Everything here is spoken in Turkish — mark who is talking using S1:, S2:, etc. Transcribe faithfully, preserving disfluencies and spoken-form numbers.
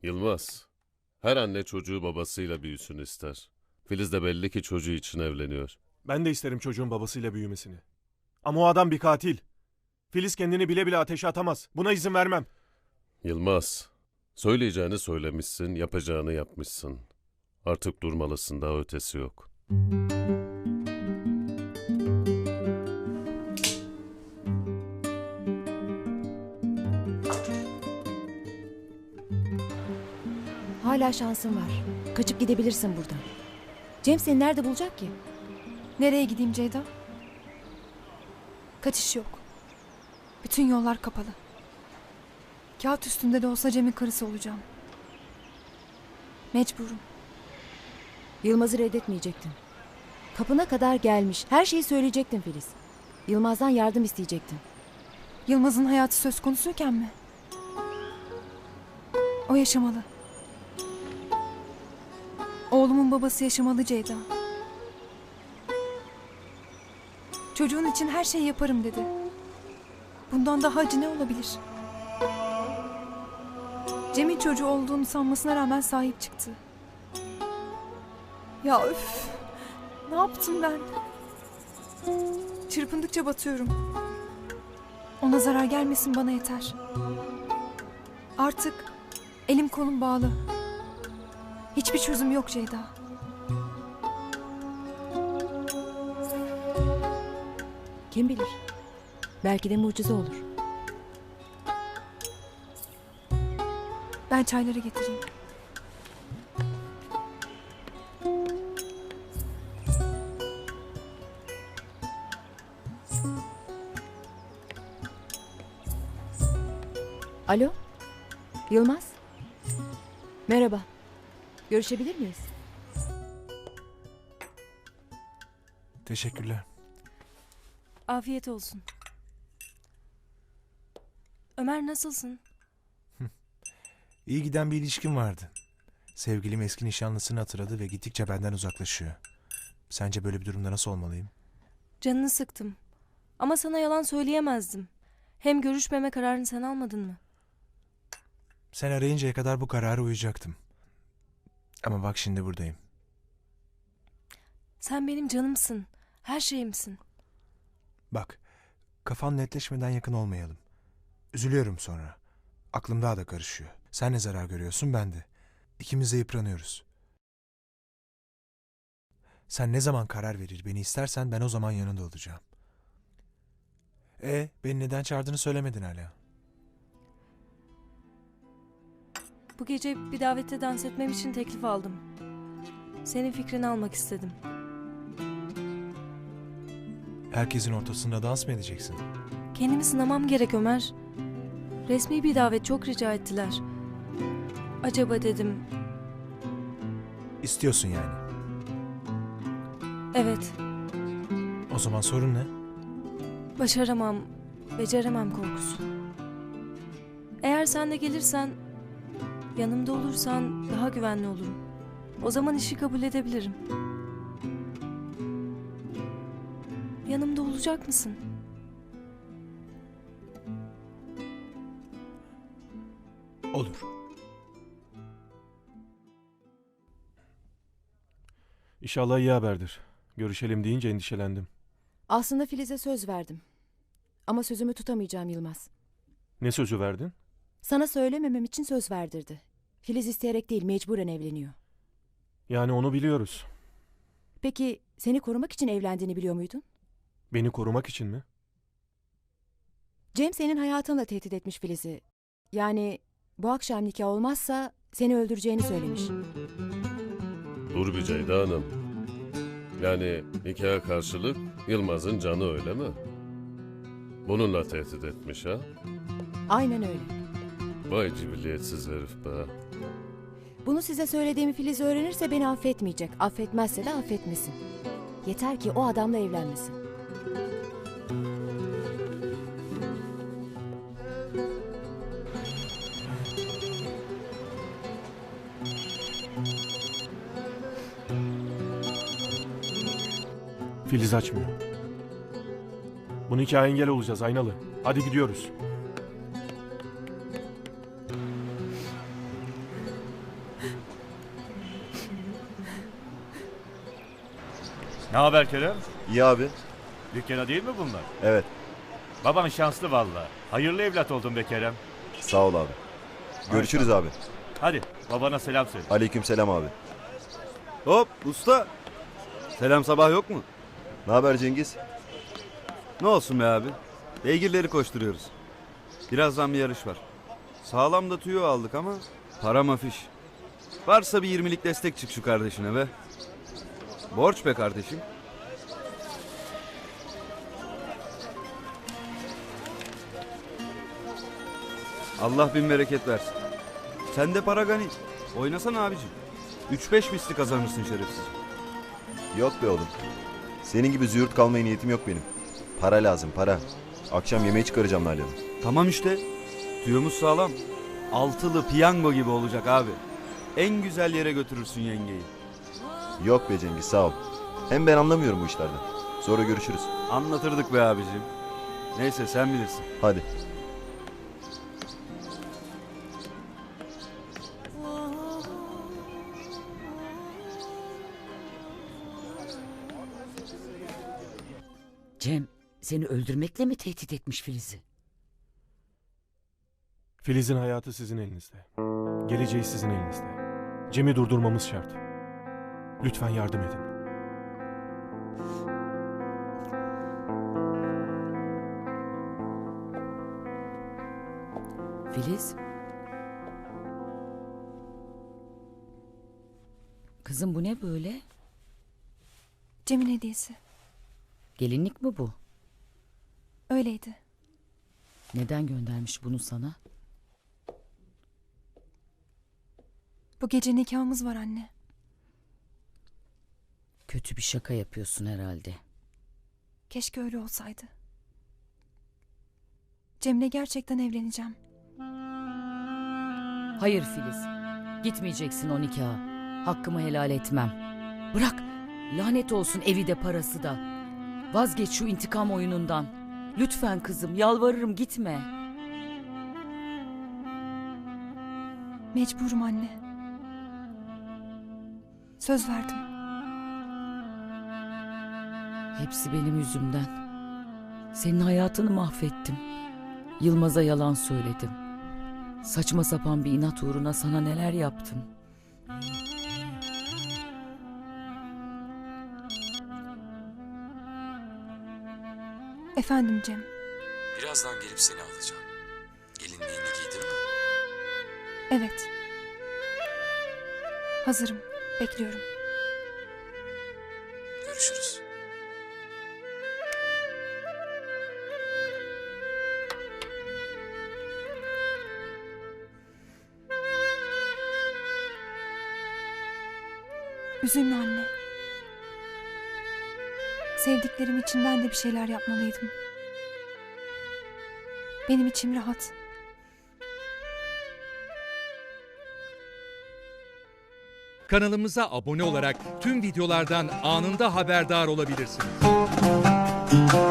S1: Yılmaz, her anne çocuğu babasıyla büyüsün ister. Filiz de belli ki çocuğu için evleniyor.
S2: Ben de isterim çocuğun babasıyla büyümesini. Ama o adam bir katil. Filiz kendini bile bile ateşe atamaz. Buna izin vermem.
S1: Yılmaz, söyleyeceğini söylemişsin, yapacağını yapmışsın. Artık durmalısın, daha ötesi yok.
S3: Hala şansın var. Kaçıp gidebilirsin buradan. Cem seni nerede bulacak ki?
S4: Nereye gideyim Ceyda? Kaçış yok. Bütün yollar kapalı. Kağıt üstünde de olsa Cem'in karısı olacağım. Mecburum.
S3: Yılmaz'ı reddetmeyecektin. Kapına kadar gelmiş. Her şeyi söyleyecektin Filiz. Yılmaz'dan yardım isteyecektin.
S4: Yılmaz'ın hayatı söz konusuyken mi? O yaşamalı. Oğlumun babası yaşamalı Ceyda. Çocuğun için her şeyi yaparım dedi. Bundan daha acı ne olabilir? Cem'in çocuğu olduğunu sanmasına rağmen sahip çıktı. Ya üf! Ne yaptım ben? Çırpındıkça batıyorum. Ona zarar gelmesin bana yeter. Artık elim kolum bağlı. Hiçbir çözüm yok Ceyda.
S3: Kim bilir? Belki de mucize olur.
S4: Ben çayları getireyim.
S3: Alo? Yılmaz? Merhaba. Görüşebilir miyiz?
S2: Teşekkürler.
S5: Afiyet olsun. Ömer nasılsın?
S6: İyi giden bir ilişkim vardı. Sevgilim eski nişanlısını hatırladı ve gittikçe benden uzaklaşıyor. Sence böyle bir durumda nasıl olmalıyım?
S5: Canını sıktım. Ama sana yalan söyleyemezdim. Hem görüşmeme kararını sen almadın mı?
S6: Sen arayıncaya kadar bu karara uyacaktım. Ama bak şimdi buradayım.
S5: Sen benim canımsın. Her şeyimsin.
S6: Bak, kafan netleşmeden yakın olmayalım. Üzülüyorum sonra. Aklım daha da karışıyor. Sen ne zarar görüyorsun, ben de. İkimiz de yıpranıyoruz. Sen ne zaman karar verir, beni istersen ben o zaman yanında olacağım. E, beni neden çağırdığını söylemedin hala.
S5: Bu gece bir davette dans etmem için teklif aldım. Senin fikrini almak istedim.
S6: Herkesin ortasında dans mı edeceksin?
S5: Kendimi sınamam gerek Ömer. Resmi bir davet, çok rica ettiler. Acaba dedim.
S6: İstiyorsun yani.
S5: Evet,
S6: O zaman sorun ne?
S5: başaramam, beceremem korkusu. Eğer sen de gelirsen, yanımda olursan daha güvenli olurum. O zaman işi kabul edebilirim. Yanımda olacak mısın?
S6: Olur.
S2: İnşallah iyi haberdir. Görüşelim deyince endişelendim.
S3: Aslında Filiz'e söz verdim. Ama sözümü tutamayacağım Yılmaz.
S2: Ne sözü verdin?
S3: Sana söylememem için söz verdirdi. Filiz isteyerek değil, mecburen evleniyor.
S2: Yani onu biliyoruz.
S3: Peki seni korumak için evlendiğini biliyor muydun?
S2: Beni korumak için mi?
S3: Cem senin hayatınla tehdit etmiş Filiz'i. Yani bu akşam nikah olmazsa seni öldüreceğini söylemiş.
S1: Dur bir Ceyda Hanım. Yani nikaha karşılık Yılmaz'ın canı öyle mi? Bununla tehdit etmiş ha?
S3: Aynen öyle.
S1: Vay cibilliyetsiz herif be.
S3: Bunu size söylediğimi Filiz öğrenirse beni affetmeyecek. Affetmezse de affetmesin. Yeter ki o adamla evlenmesin.
S2: Filiz açmıyor. Bu nikaha engel olacağız Aynalı. Hadi gidiyoruz.
S7: Ne haber Kerem?
S8: İyi abi.
S7: Dükkana değil mi bunlar?
S8: Evet.
S7: Baban şanslı valla. Hayırlı evlat oldun be Kerem.
S8: Sağ ol abi. Görüşürüz abi.
S7: Hadi babana selam söyle.
S8: Aleykümselam abi.
S9: Hop usta. Selam sabah yok mu?
S8: Ne haber Cengiz?
S9: Ne olsun be abi. Beygirleri koşturuyoruz. Birazdan bir yarış var. Sağlam da tüyo aldık ama para mafiş. Varsa bir yirmilik destek çık şu kardeşine be. Borç be kardeşim. Allah bin bereket versin. Sen de para gani. Oynasana abicim. Üç beş misli kazanırsın şerefsiz.
S8: Yok be oğlum. Senin gibi züğürt kalmaya niyetim yok benim. Para lazım para. Akşam yemeğe çıkaracağım Nalan'ı.
S9: Tamam işte. Tüyomuz sağlam. Altılı piyango gibi olacak abi. En güzel yere götürürsün yengeyi.
S8: Yok be Cengiz sağ ol. Hem ben anlamıyorum bu işlerden. Sonra görüşürüz.
S9: Anlatırdık be abicim. Neyse sen bilirsin.
S8: Hadi.
S10: Cem seni öldürmekle mi tehdit etmiş Filiz'i?
S2: Filiz'in hayatı sizin elinizde. Geleceği sizin elinizde. Cem'i durdurmamız şart. Lütfen yardım edin.
S10: Filiz? Kızım bu ne böyle?
S4: Cem'in hediyesi.
S10: Gelinlik mi bu?
S4: Öyleydi.
S10: Neden göndermiş bunu sana?
S4: Bu gece nikahımız var anne.
S10: Kötü bir şaka yapıyorsun herhalde.
S4: Keşke öyle olsaydı. Cem'le gerçekten evleneceğim.
S10: Hayır Filiz. Gitmeyeceksin o nikaha. Hakkımı helal etmem. Bırak. Lanet olsun evi de parası da. Vazgeç şu intikam oyunundan. Lütfen kızım yalvarırım gitme.
S4: Mecburum anne. Söz verdim.
S10: Hepsi benim yüzümden. Senin hayatını mahvettim. Yılmaz'a yalan söyledim. Saçma sapan bir inat uğruna sana neler yaptım.
S4: Efendim Cem.
S11: Birazdan gelip seni alacağım. Gelinliğini giydin mi?
S4: Evet. Hazırım. Bekliyorum.
S11: Görüşürüz.
S4: Üzülme anne. Sevdiklerim için ben de bir şeyler yapmalıydım. Benim içim rahat.
S12: Kanalımıza abone olarak tüm videolardan anında haberdar olabilirsiniz.